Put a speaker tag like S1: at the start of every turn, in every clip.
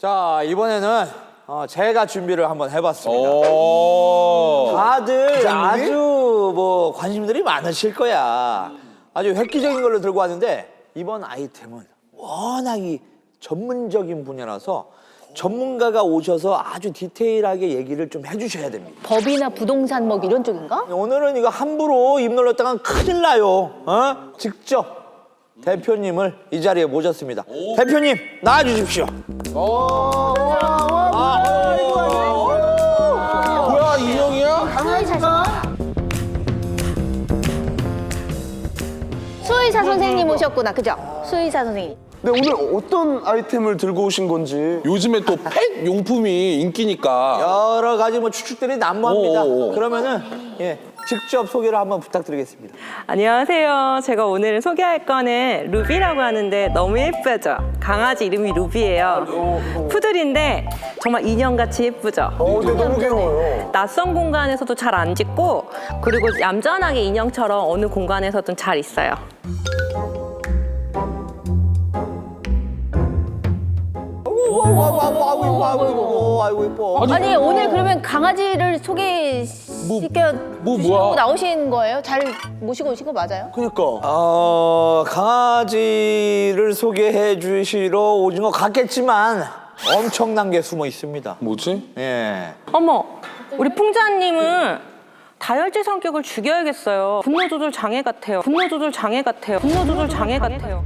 S1: 자, 이번에는 제가 준비를 한번 해봤습니다.
S2: 오.
S1: 다들 아주 뭐 관심들이 많으실 거야. 아주 획기적인 걸로 들고 왔는데 이번 아이템은 워낙 이 전문적인 분야라서 전문가가 오셔서 아주 디테일하게 얘기를 좀 해주셔야 됩니다.
S3: 법이나 부동산 뭐 이런 쪽인가?
S1: 오늘은 이거 함부로 입 놀렸다간 큰일 나요. 직접 대표님을 이 자리에 모셨습니다. 대표님 나와주십시오.
S2: 뭐야, 인형이야?
S3: 수의사 선생님 오셨구나, 그죠? 수의사 선생님.
S4: 네, 오늘 어떤 아이템을 들고 오신 건지.
S2: 요즘에 또 펫 용품이 인기니까.
S1: 여러 가지 뭐 추측들이 난무합니다.
S2: 오.
S1: 그러면은 직접 소개를 한번 부탁드리겠습니다.
S5: 안녕하세요. 제가 오늘 소개할 거는 루비라고 하는데 너무 예쁘죠? 강아지 이름이 루비예요. 푸들인데 정말 인형같이 예쁘죠?
S4: 근데 너무 귀여워요.
S5: 낯선 공간에서도 잘 안 짖고 그리고 얌전하게 인형처럼 어느 공간에서든 잘 있어요.
S1: 아이고 이뻐.
S3: 아니, 오늘 그러면 강아지를 소개시켜
S2: 뭐야?
S3: 주시려고 나오신 거예요? 잘 모시고 오신 거 맞아요?
S4: 그니까.
S1: 강아지를 소개해 주시러 오신 것 같겠지만 엄청난 게 숨어 있습니다.
S2: 뭐지?
S1: 예.
S5: 어머, 우리 풍자님은 다혈질 성격을 죽여야겠어요. 분노 조절 장애 같아요. 분노 조절 장애 같아요. 분노 조절 장애 같아요.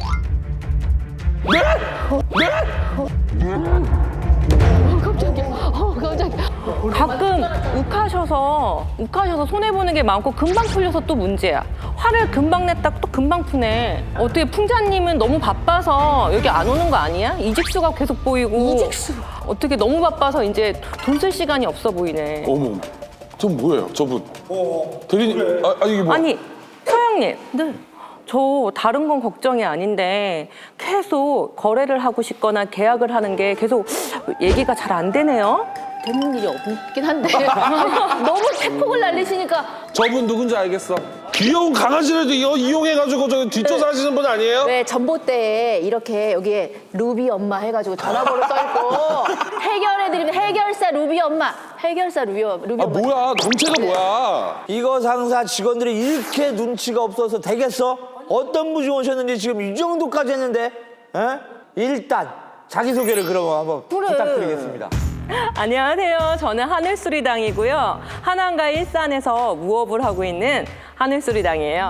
S3: 깜짝이야.
S5: 가끔 욱하셔서 손해보는 게 많고 금방 풀려서 또 문제야. 화를 금방 냈다 또 금방 푸네. 어떻게 풍자님은 너무 바빠서 여기 안 오는 거 아니야? 이직수가 계속 보이고.
S3: 이직수.
S5: 어떻게 너무 바빠서 이제 돈 쓸 시간이 없어 보이네.
S2: 어머. 저 뭐예요, 저분? 대리님, 이게 뭐?
S5: 아니, 서영님. 네. 저 다른 건 걱정이 아닌데 계속 거래를 하고 싶거나 계약을 하는 게 계속 얘기가 잘 안 되네요.
S3: 되는 일이 없긴 한데. 너무 태폭을 날리시니까.
S2: 저분 누군지 알겠어. 귀여운 강아지를 이용해가지고 저 뒷조사 하시는 분 아니에요?
S3: 왜 전봇대에 이렇게 여기에 루비 엄마 해가지고 전화번호 써있고 해결해드리면 해결사 루비 엄마. 해결사 루비 엄마.
S2: 뭐야, 정체가 뭐야?
S1: 이거 상사 직원들이 이렇게 눈치가 없어서 되겠어? 어떤 분이 오셨는지 지금 이 정도까지 했는데 일단 자기소개를 그러면 한번
S3: 그래.
S1: 부탁드리겠습니다.
S5: 안녕하세요. 저는 하늘수리당이고요. 한양과 일산에서 무업을 하고 있는 하늘수리당이에요.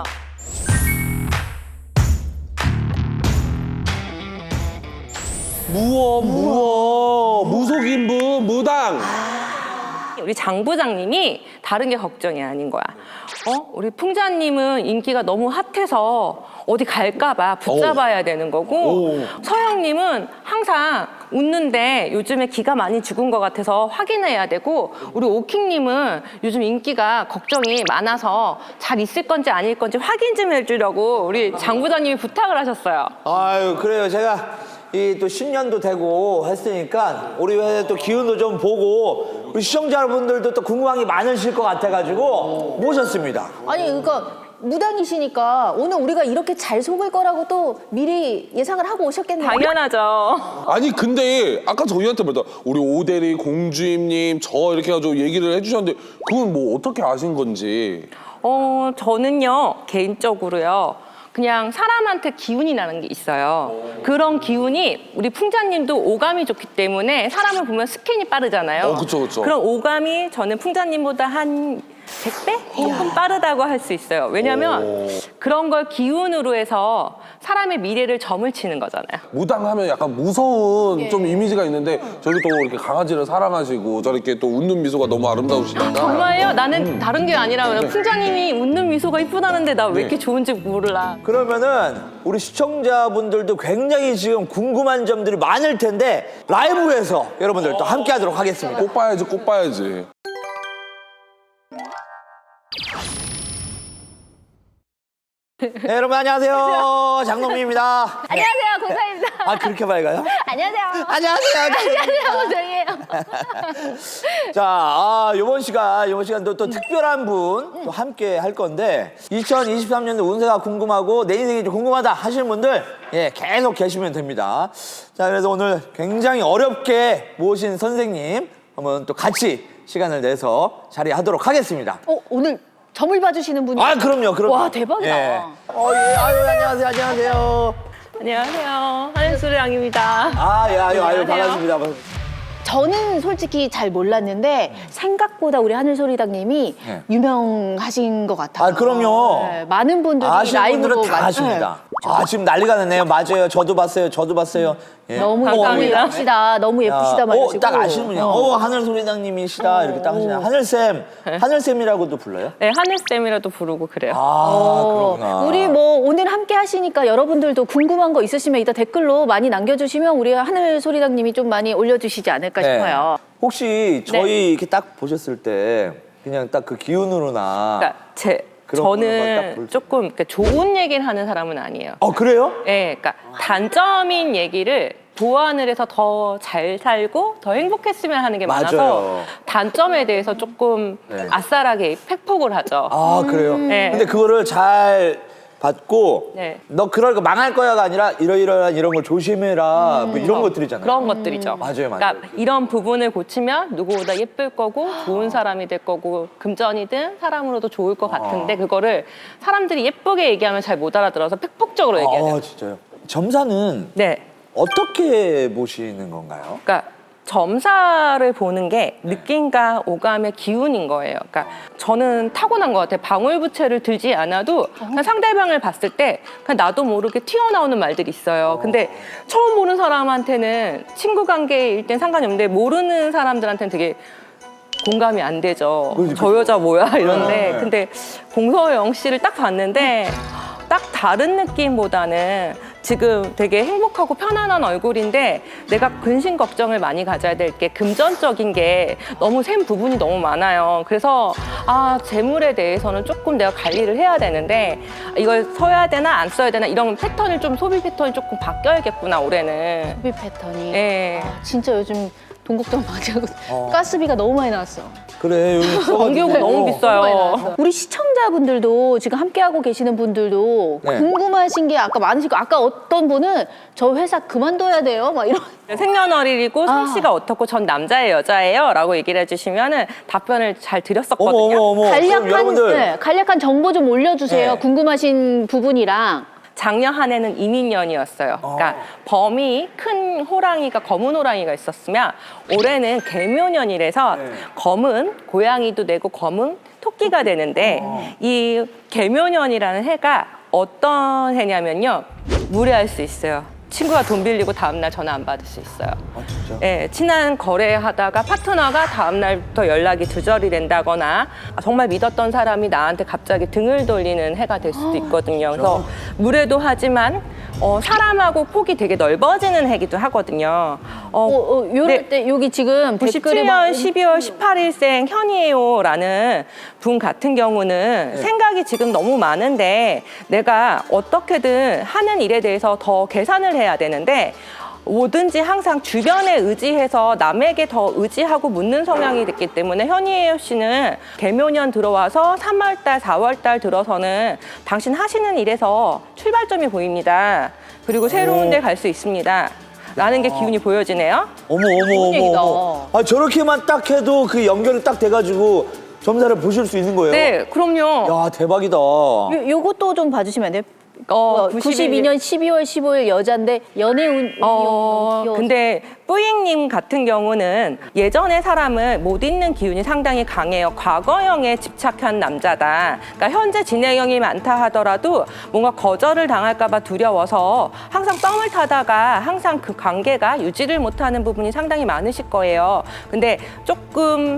S2: 무속인부, 무당.
S5: 우리 장 부장님이 다른 게 걱정이 아닌 거야. 우리 풍자님은 인기가 너무 핫해서 어디 갈까봐 붙잡아야 되는 거고, 서영님은 항상 웃는데 요즘에 기가 많이 죽은 것 같아서 확인해야 되고, 우리 오킹님은 요즘 인기가 걱정이 많아서 잘 있을 건지 아닐 건지 확인 좀 해주려고 우리 장 부장님이 부탁을 하셨어요.
S1: 아유 그래요. 제가 이 또 신년도 되고 했으니까 우리 회사 또 기운도 좀 보고 우리 시청자분들도 또 궁금한 게 많으실 것 같아가지고 모셨습니다.
S3: 아니, 그러니까 무당이시니까 오늘 우리가 이렇게 잘 속을 거라고 또 미리 예상을 하고 오셨겠네요.
S5: 당연하죠.
S2: 아니 근데 아까 저희한테 말했다 우리 오대리 공주임님 저 이렇게 해가지고 얘기를 해주셨는데 그건 뭐 어떻게 아신 건지.
S5: 저는요, 개인적으로요, 그냥 사람한테 기운이 나는 게 있어요. 그런 기운이 우리 풍자님도 오감이 좋기 때문에 사람을 보면 스캔이 빠르잖아요.
S2: 그쵸.
S5: 그런 오감이 저는 풍자님보다 한 100배? 조금 빠르다고 할 수 있어요. 왜냐면 그런 걸 기운으로 해서 사람의 미래를 점을 치는 거잖아요.
S2: 무당하면 약간 무서운 좀 이미지가 있는데 저기 또 이렇게 강아지를 사랑하시고 저렇게 또 웃는 미소가 너무 아름다우시니까.
S5: 정말요? 나는 다른 게 아니라 풍자님이 웃는 미소가 이쁘다는데 나 왜 이렇게 좋은지 몰라.
S1: 그러면은 우리 시청자분들도 굉장히 지금 궁금한 점들이 많을 텐데 라이브에서 여러분들 또 함께 하도록 하겠습니다.
S2: 꼭 봐야지.
S1: 네, 여러분 안녕하세요. 장동민입니다.
S3: 안녕하세요, 공사입니다.
S1: 아 그렇게 밝아요?
S3: 안녕하세요.
S1: 안녕하세요.
S3: 안녕하세요, 고정이에요.
S1: 자, 이번 시간도 또 특별한 분 또 함께 할 건데 2023년도 운세가 궁금하고 내 인생이 좀 궁금하다 하시는 분들 계속 계시면 됩니다. 자, 그래서 오늘 굉장히 어렵게 모신 선생님 한번 또 같이 시간을 내서 자리하도록 하겠습니다.
S3: 오늘 점을 봐주시는 분이.
S1: 아, 그럼요.
S3: 와, 대박이다.
S1: 아유, 안녕하세요. 안녕하세요.
S5: 안녕하세요. 한수량입니다.
S1: 아유,
S5: 안녕하세요.
S1: 반갑습니다.
S3: 저는 솔직히 잘 몰랐는데 생각보다 우리 하늘소리당님이
S1: 네.
S3: 유명하신 것 같아요.
S1: 아, 그럼요.
S3: 네, 많은 분들이
S1: 아시는
S3: 라이브로
S1: 분들은 다 아십니다. 아, 지금 난리가 났네요. 맞아요. 저도 봤어요. 예.
S3: 너무
S5: 감사합니다.
S3: 예쁘시다. 너무 예쁘시다 말하시고.
S1: 딱 아시는 분이야. 하늘소리당님이시다. 이렇게 딱 하시네요. 하늘쌤. 하늘쌤이라고도 불러요?
S5: 네, 하늘쌤이라도 부르고 그래요.
S1: 그렇구나.
S3: 우리 뭐 오늘 함께 하시니까 여러분들도 궁금한 거 있으시면 이따 댓글로 많이 남겨주시면 우리 하늘소리당님이 좀 많이 올려주시지 않을까 싶어요.
S1: 혹시 저희 이렇게 딱 보셨을 때 그냥 딱 그 기운으로나.
S5: 그러니까
S1: 그런 거는 딱
S5: 저는
S1: 볼 수-
S5: 조금 그러니까 좋은 얘기를 하는 사람은 아니에요.
S1: 그래요?
S5: 네, 그러니까 단점인 얘기를 보완을 해서 더 잘 살고 더 행복했으면 하는 게 많아서
S1: 맞아요.
S5: 단점에 대해서 조금
S1: 네.
S5: 아싸라게 팩폭을 하죠.
S1: 그래요?
S5: 네.
S1: 근데 그거를 잘 받고
S5: 네.
S1: 너 그럴 거 망할 거야가 아니라 이러이러한 이런 걸 조심해라 뭐 이런 것들이잖아요.
S5: 그런 것들이죠.
S1: 맞아요.
S5: 그러니까 이런 부분을 고치면 누구보다 예쁠 거고 좋은 사람이 될 거고 금전이든 사람으로도 좋을 것 같은데 그거를 사람들이 예쁘게 얘기하면 잘 못 알아들어서 팩폭적으로 얘기해야 돼요.
S1: 진짜요? 점사는
S5: 네.
S1: 어떻게 보시는 건가요?
S5: 그러니까 점사를 보는 게 느낌과 오감의 기운인 거예요. 그러니까 저는 타고난 것 같아요. 방울부채를 들지 않아도 그냥 상대방을 봤을 때 그냥 나도 모르게 튀어나오는 말들이 있어요. 근데 처음 보는 사람한테는 친구 관계일 땐 상관이 없는데 모르는 사람들한테는 되게 공감이 안 되죠. 저 여자 뭐야 이런데
S1: 네.
S5: 근데 공서영 씨를 딱 봤는데 딱 다른 느낌보다는 지금 되게 행복하고 편안한 얼굴인데 내가 근심 걱정을 많이 가져야 될 게 금전적인 게 너무 샘 부분이 너무 많아요. 그래서 재물에 대해서는 조금 내가 관리를 해야 되는데 이걸 써야 되나 안 써야 되나 이런 패턴을 좀 소비 패턴이 조금 바뀌어야겠구나 올해는.
S3: 소비 패턴이.
S5: 예.
S3: 진짜 요즘 돈 걱정 많이 하고 가스비가 너무 많이 나왔어.
S1: 그래 요즘
S5: 전기요금 너무 비싸요.
S3: 우리 시청자분들도 지금 함께하고 계시는 분들도
S1: 네.
S3: 궁금하신 게 아까 많으시고 아까 어떤 분은 저 회사 그만둬야 돼요 막 이런.
S5: 생년월일이고 솜씨가 어떻고 전 남자예요 여자예요 라고 얘기를 해주시면 답변을 잘 드렸었거든요.
S1: 어머 그럼
S3: 간략한
S1: 여러분들
S3: 간략한 정보 좀 올려주세요.
S1: 네.
S3: 궁금하신 부분이랑.
S5: 작년 한 해는 이민년이었어요. 그러니까 범이 큰 호랑이가 검은 호랑이가 있었으면 올해는 개묘년이라서 검은 고양이도 되고 검은 토끼가 되는데 이 개묘년이라는 해가 어떤 해냐면요. 무례할 수 있어요. 친구가 돈 빌리고 다음날 전화 안 받을 수 있어요.
S1: 진짜?
S5: 예, 친한 거래하다가 파트너가 다음날부터 연락이 두절이 된다거나 정말 믿었던 사람이 나한테 갑자기 등을 돌리는 해가 될 수도 있거든요. 그래서 무례도 하지만 사람하고 폭이 되게 넓어지는 해기도 하거든요.
S3: 요럴
S5: 네.
S3: 때 여기 지금 댓글에
S5: 97년 12월 18일생 현이에요라는 분 같은 경우는 생각이 지금 너무 많은데 내가 어떻게든 하는 일에 대해서 더 계산을 해야 되는데 뭐든지 항상 주변에 의지해서 남에게 더 의지하고 묻는 성향이 됐기 때문에 현이에요 씨는 개묘년 들어와서 3월달, 4월달 들어서는 당신 하시는 일에서 출발점이 보입니다. 그리고 새로운 데 갈 수 있습니다. 라는 게 기운이 보여지네요.
S3: 얘기다.
S1: 저렇게만 딱 해도 그 연결이 딱 돼가지고 점사를 보실 수 있는 거예요?
S5: 네, 그럼요.
S1: 야 대박이다.
S3: 요것도 좀 봐주시면 안 돼요?
S5: 92년
S3: 92년 12월 15일 여자인데 연애운
S5: 근데 뿌잉님 같은 경우는 예전의 사람을 못 잊는 기운이 상당히 강해요. 과거형에 집착한 남자다. 그러니까 현재 진행형이 많다 하더라도 뭔가 거절을 당할까 봐 두려워서 항상 썸을 타다가 항상 그 관계가 유지를 못하는 부분이 상당히 많으실 거예요. 근데 조금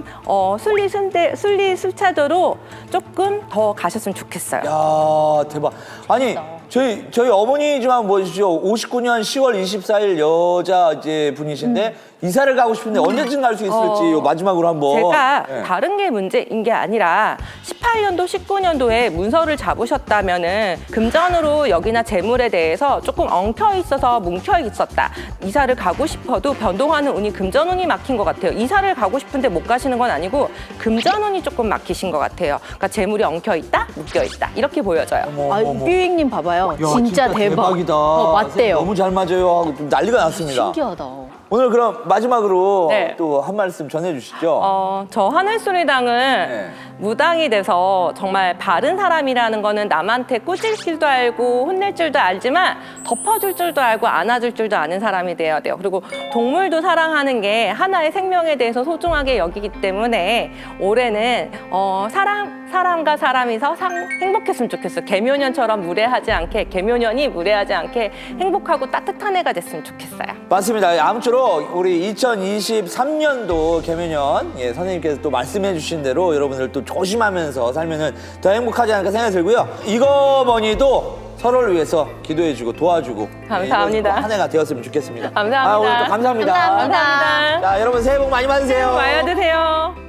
S5: 순리순차대로 조금 더 가셨으면 좋겠어요.
S1: 야 대박. 아니 저희 어머니지만 보시죠. 59년 10월 24일 여자 이제 분이신데 이사를 가고 싶은데 언제쯤 갈 수 있을지 요 마지막으로 한번.
S5: 제가
S1: 네.
S5: 다른 게 문제인 게 아니라 18년도, 19년도에 문서를 잡으셨다면은 금전으로 여기나 재물에 대해서 조금 엉켜 있어서 뭉켜 있었다. 이사를 가고 싶어도 변동하는 운이 금전운이 막힌 것 같아요. 이사를 가고 싶은데 못 가시는 건 아니고 금전운이 조금 막히신 것 같아요. 그러니까 재물이 엉켜 있다, 묶여 있다 이렇게 보여져요.
S3: 아, 뷰잉님 봐봐요.
S1: 야,
S3: 진짜 대박.
S1: 대박이다.
S3: 맞대요.
S1: 너무 잘 맞아요 하고 좀 난리가 났습니다.
S3: 신기하다.
S1: 오늘 그럼 마지막으로
S5: 네.
S1: 또 한 말씀 전해주시죠.
S5: 저 하늘소리당은
S1: 네.
S5: 무당이 돼서 정말 바른 사람이라는 거는 남한테 꾸질 줄도 알고 혼낼 줄도 알지만 덮어줄 줄도 알고 안아줄 줄도 아는 사람이 되어야 돼요. 그리고 동물도 사랑하는 게 하나의 생명에 대해서 소중하게 여기기 때문에 올해는 사람과 사람이서 행복했으면 좋겠어요. 개묘년처럼 무례하지 않게, 개묘년이 무례하지 않게 행복하고 따뜻한 해가 됐으면 좋겠어요.
S1: 맞습니다. 아무쪼록 우리 2023년도 개묘년 선생님께서 또 말씀해 주신 대로 여러분들 또 조심하면서 살면은 더 행복하지 않을까 생각이 들고요. 이거 뭐니도 서로를 위해서 기도해주고 도와주고
S5: 감사합니다.
S1: 한 해가 되었으면 좋겠습니다.
S5: 감사합니다.
S1: 오늘 또 감사합니다.
S3: 감사합니다.
S5: 감사합니다.
S1: 자, 여러분 새해 복 많이 받으세요.
S5: 와야 되세요.